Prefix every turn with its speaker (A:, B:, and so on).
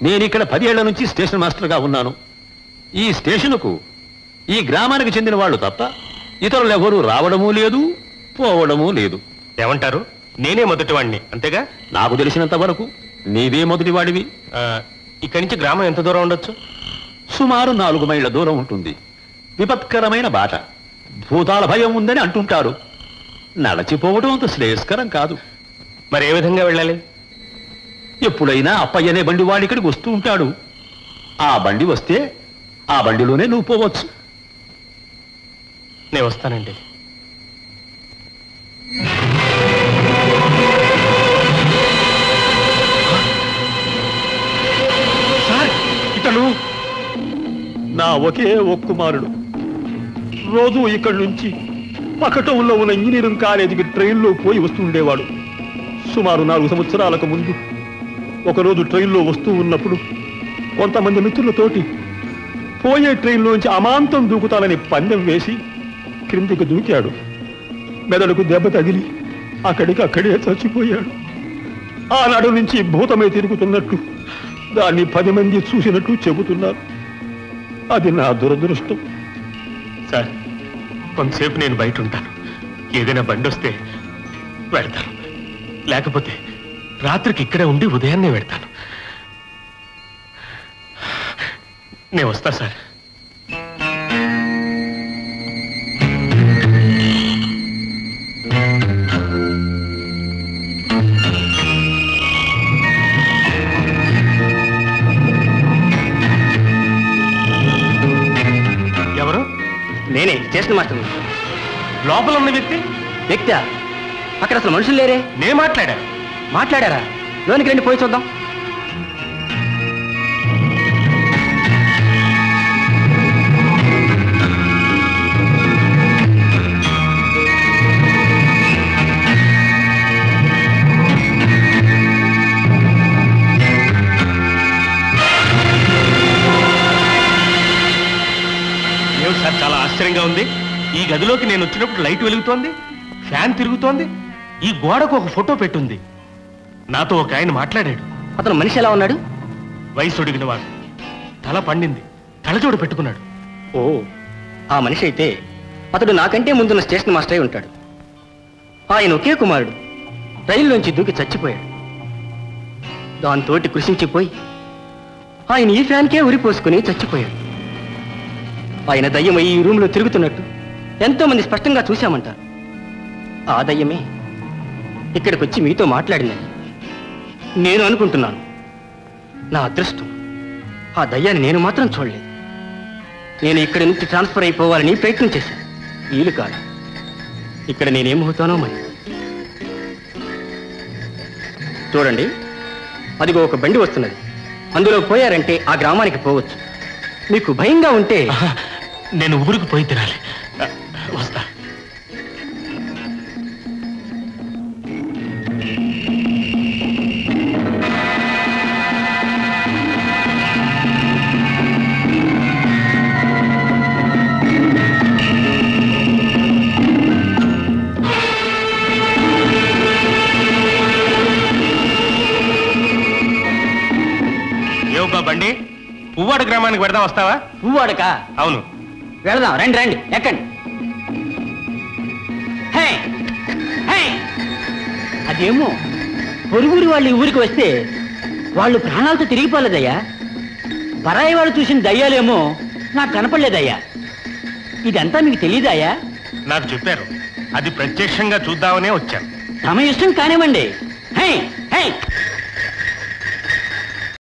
A: నేనిక్కడ 10 ఏళ్ల నుంచి స్టేషన్ మాస్టర్గా ఉన్నాను. ఈ స్టేషన్కు ఈ గ్రామానికి చెందిన వాళ్ళు తప్ప ఇతరులు ఎవరూ రావడమూ లేదు, పోవడమూ లేదు.
B: ఏమంటారు? నేనే మొదటివాడిని, అంతేగా?
A: నాకు తెలిసినంత వరకు నీవే మొదటివాడివి.
B: ఇక్కడి నుంచి గ్రామం ఎంత దూరం ఉండొచ్చు?
A: సుమారు 4 మైళ్ళ దూరం ఉంటుంది. విపత్కరమైన బాట, భూతాల భయం ఉందని అంటుంటారు. నడచిపోవడం అంత శ్రేయస్కరం కాదు.
B: మరి ఏ విధంగా వెళ్ళాలి?
A: ఎప్పుడైనా అప్పయ్యనే బండి వాడి ఇక్కడికి వస్తూ ఉంటాడు. ఆ బండి వస్తే ఆ బండిలోనే నువ్వు పోవచ్చు.
B: నేను వస్తానండి.
A: ఇతను నా ఒకే ఒక్క కుమారుడు. రోజు ఇక్కడి నుంచి పకటంలో ఉన్న ఇంజనీరింగ్ కాలేజీకి ట్రైన్లో పోయి వస్తుండేవాడు. సుమారు 4 సంవత్సరాలకు ముందు ఒకరోజు ట్రైన్లో వస్తూ ఉన్నప్పుడు కొంతమంది మిత్రులతోటి పోయే ట్రైన్లోంచి అమాంతం దూకుతానని పందెం వేసి క్రిందికి దూకాడు. మెదడుకు దెబ్బ తగిలి అక్కడే చచ్చిపోయాడు. ఆనాడు నుంచి భూతమే తిరుగుతున్నట్టు దాన్ని 10 మంది చూసినట్టు చెబుతున్నారు. అది నా దురదృష్టం.
B: సార్, కొంతసేపు నేను బయట ఉంటాను. ఏదైనా బండి వస్తే వెళ్తాను, లేకపోతే రాత్రికి ఇక్కడే ఉండి ఉదయాన్నే వెళ్తాను. నేను వస్తా సార్. ఎవరు?
C: నేనే, స్టేషన్ మాస్టర్.
B: లోపల ఉన్న వ్యక్తి
C: అక్కడ అసలు మనుషులు లేరే.
B: నేను
C: మాట్లాడారా? లోనికి రండి, పోయి చూద్దాం.
B: సార్, చాలా ఆశ్చర్యంగా ఉంది. ఈ గదిలోకి నేను వచ్చినప్పుడు లైట్ వెలుగుతోంది, ఫ్యాన్ తిరుగుతోంది, ఈ గోడకు ఒక ఫోటో పెట్టుంది. నాతో ఒక ఆయన మాట్లాడాడు.
C: అతను మనిషి ఎలా ఉన్నాడు?
B: వయసు ఒడిగిన వాడు, తల పండింది, కళ్ళజోడు పెట్టుకున్నాడు.
C: ఓ, ఆ మనిషి అయితే అతడు నాకంటే ముందున్న స్టేషన్ మాస్టర్ అయి ఉంటాడు. ఆయన ఒకే కుమారుడు రైల్లోంచి దూకి చచ్చిపోయాడు. దాంతోటి కృషించిపోయి ఆయన ఈ ఫ్యాన్కే ఉరిపోసుకుని చచ్చిపోయాడు. ఆయన దయ్యమై ఈ రూమ్లో తిరుగుతున్నట్టు ఎంతో మంది స్పష్టంగా చూశామంటారు. ఆ దయ్యమే ఇక్కడికి వచ్చి మీతో మాట్లాడిందని నేను అనుకుంటున్నాను. నా అదృష్టం, ఆ దయ్యాన్ని నేను మాత్రం చూడలేదు. నేను ఇక్కడి నుంచి ట్రాన్స్ఫర్ అయిపోవాలని ప్రయత్నం చేశాను. వీలు కాదు. ఇక్కడ నేనేమవుతానో మరి. చూడండి, అదిగో ఒక బండి వస్తున్నది. అందులో పోయారంటే ఆ గ్రామానికి పోవచ్చు. మీకు భయంగా ఉంటే
B: నేను ఊరికి పోయి తినాలి. వస్తా. ఏవబ్బా బండి, పువ్వాడ గ్రామానికి వెడదాం, వస్తావా?
C: పువ్వాడక?
B: అవును.
C: వెళదాం, రండి రండి, ఎక్కండి. అదేమో పొరుగురు వాళ్ళు ఈ ఊరికి వస్తే వాళ్ళు ప్రాణాలతో తిరిగిపోలేదయ్యా. పరాయి వాళ్ళు చూసిన దయ్యాలేమో నాకు కనపడలేదయ్యా. ఇదంతా మీకు తెలియదయ్యా?
B: నాకు చెప్పారు, అది ప్రత్యక్షంగా చూద్దామనే వచ్చాను.
C: తమ ఇష్టం కానివ్వండి.